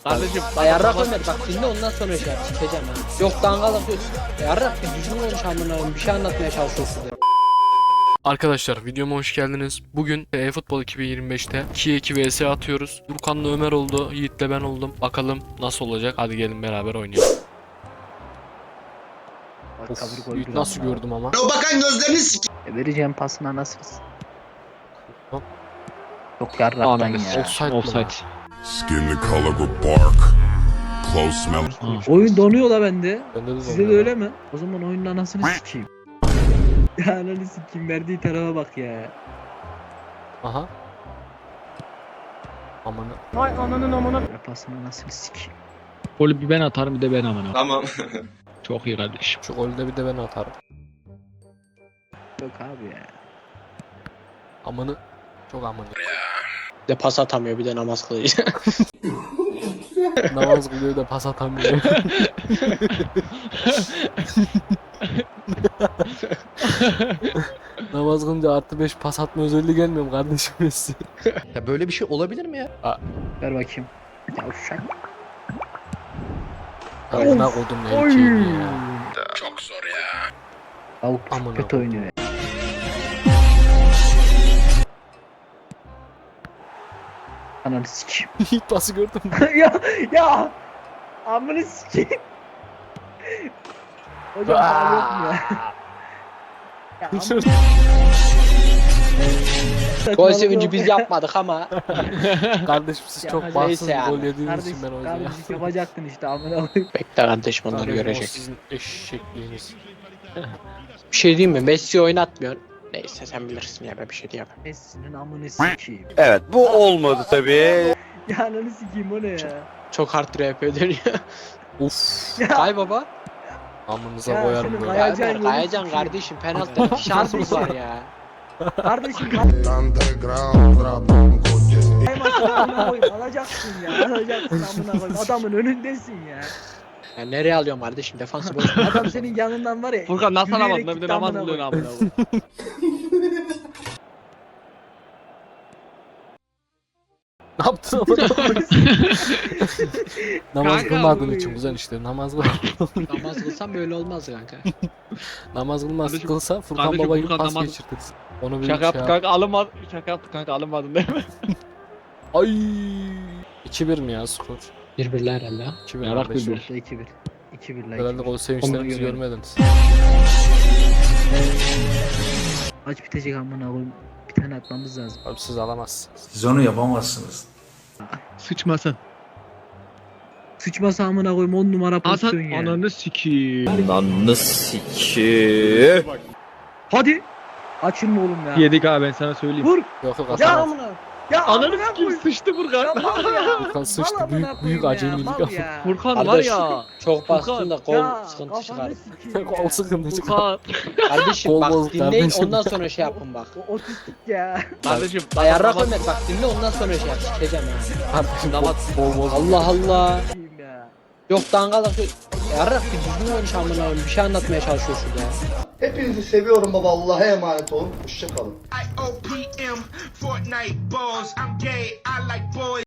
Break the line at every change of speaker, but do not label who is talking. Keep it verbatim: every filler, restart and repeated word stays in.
Kardeşim
Yarrak Ömer bak dinle ondan sonra şey yap sikeceğim ha. Yok dangalak yok. Yarrak bir düzgün konuş amına koyayım bir şey anlatmaya çalışıyorsun size.
Arkadaşlar videoma hoş geldiniz. Bugün eFootball iki bin yirmi beşte ikiye iki vs atıyoruz. Furkan'la Ömer oldu, Yiğit'le ben oldum. Bakalım nasıl olacak. Hadi gelin beraber oynayalım. Of, Yiğit nasıl gördüm ama.
O bakan gözlerini sik.
E, vereceğim pasına nasılsınız?
Hop.
Çok yarraktan
Ananı
ya.
s-
Offside.
Offside.
Skin the color of bark. Close smell.
Oyun donuyor la bende.
Bende de
Size de
oluyor.
öyle mi? O zaman oyunun anasını sikeyim. Ya ananı sikeyim verdiği tarafa bak ya.
Aha. Aman.
Vay ananın amına.
Ver pasını nasıl sikeyim.
Golü bir ben atarım bir de ben amına.
Tamam.
Çok iyi kardeşim.
Şu golde bir de ben atarım.
Yok abi ya.
Amanı. Çok amanı.
Bir de pas atamıyor bir de namaz kılıyor.
Namaz kılıyor da pas atamıyor. Namaz kılınca artı beş pas atma özelliği gelmiyor mu kardeşim Messi?
Ya böyle bir şey olabilir mi ya?
Ver bakayım. Ya uşak.
Amına kodum erkeğim ya.
Çok zor ya.
Tavuk
Aman
çok kötü
Allah'ım.
oynuyor ya. Ananı sikeyim.
İlk pası gördüm.
ya ya. Amını sikeyim. Hocam faul yok mu ya? Ya amına-
Gol sevinci biz yapmadık ama.
Kardeşim siz
Ya
çok
neyse
bahtsız bir
yani.
gol yediğiniz
Kardeş,
için ben o yüzden
kardeşlik
yaptım.
yapacaktın işte amına koyayım.
Bekle kardeşim onları
Kardeşim, o
görecek.
sizin eşekliğiniz.
Bir şey diyeyim mi? Messi oynatmıyor. Neyse sen bilirsin ya ben bir şey diyemem.
Messi'nin amını sikeyim.
Evet bu olmadı tabii.
Ya ananı sikeyim o ne ya?
Çok hard R P dönüyor.
Uf.
Ya,
Kay baba.
Amınıza
Ya
koyarım
senin
böyle.
kaya-
Ya
Kayacan
Ömer
yolu
kayacan
sikeyim.
kardeşim penaltıda iki şansımız var ya.
kardeşim
Underground rap koca.
kaymasın amına koyayım alacaksın ya alacaksın amına koyayım adamın önündesin ya.
Ya nereye alıyorum kardeşim defansı boş.
Adam senin yanından var ya.
Furkan nasıl
yürüyerek
alamadın? Bir de
gitti
namaz
amına
kılıyorsun
koyayım.
amına.
Ne yaptın amına koyayım? Namaz
Kanka,
kılmadığın
bu-
için güzel işte. Namaz kıl.
Namaz kılsam böyle olmaz kanka.
Namaz kılmaz
Kardeşim-
kılsa Furkan
kardeşim,
baba gibi
Furkan
pas
namaz-
geçirtirsin. Onu bir
Şaka
şey
yaptı
yap.
kanka alınmaz. Şaka yaptı kanka alınmadın değil mi?
Ay. iki bir mi ya skor?
Bir birler herhalde. ha.
iki bir
Yarak bir
kardeşim.
bir.
iki bir. iki bir la
Herhalde
iki bir.
gol sevinçlerimizi
görelim.
görmediniz.
Maç bitecek amına koyayım. Bir tane atmamız lazım.
Abi siz alamazsınız.
Siz onu yapamazsınız.
Sıçmasın.
Sıçmasa amına koyayım on numara
Atan
pozisyon ya.
ananı sikiyim.
Ananı sikiyim.
Hadi. Açın mı oğlum ya?
Yedik abi ben sana söyleyeyim.
Vur.
Yok yok
Ya
atamaz.
amına. Ya
Ananı
amına
sikiyim
koyayım.
sıçtı Furkan.
Ya mal ya.
Furkan sıçtı.
Mal
Büyük-
amına
büyük
koyayım
acemilik
ya, mal
yaptı.
ya.
Furkan var
Kardeş,
ya.
Çok bastın
Furkan,
da kol
Ya,
sıkıntı çıkar.
kafanı sikeyim
Kol
ya.
sıkıntı çıkar.
Furkan.
Kardeşim
Kol
bak
bozuk
dinleyin
kardeşim.
ondan sonra şey yapın bak.
O otistik ya.
Kardeşim.
Yarrak Ömer bak dinle ondan sonra şey yap sikeceğim ha.
Kardeşim
Namaz-
bol bol.
Allah Allah.
Sikeyim ya.
Yok dangalak yok. Yarrak bir düzgün konuş amına koyayım bir şey anlatmaya çalışıyor şurada ya.
Hepinizi seviyorum baba. Allah'a emanet olun. Hoşçakalın.
I O P M Fortnite balls. I'm gay. I like boys.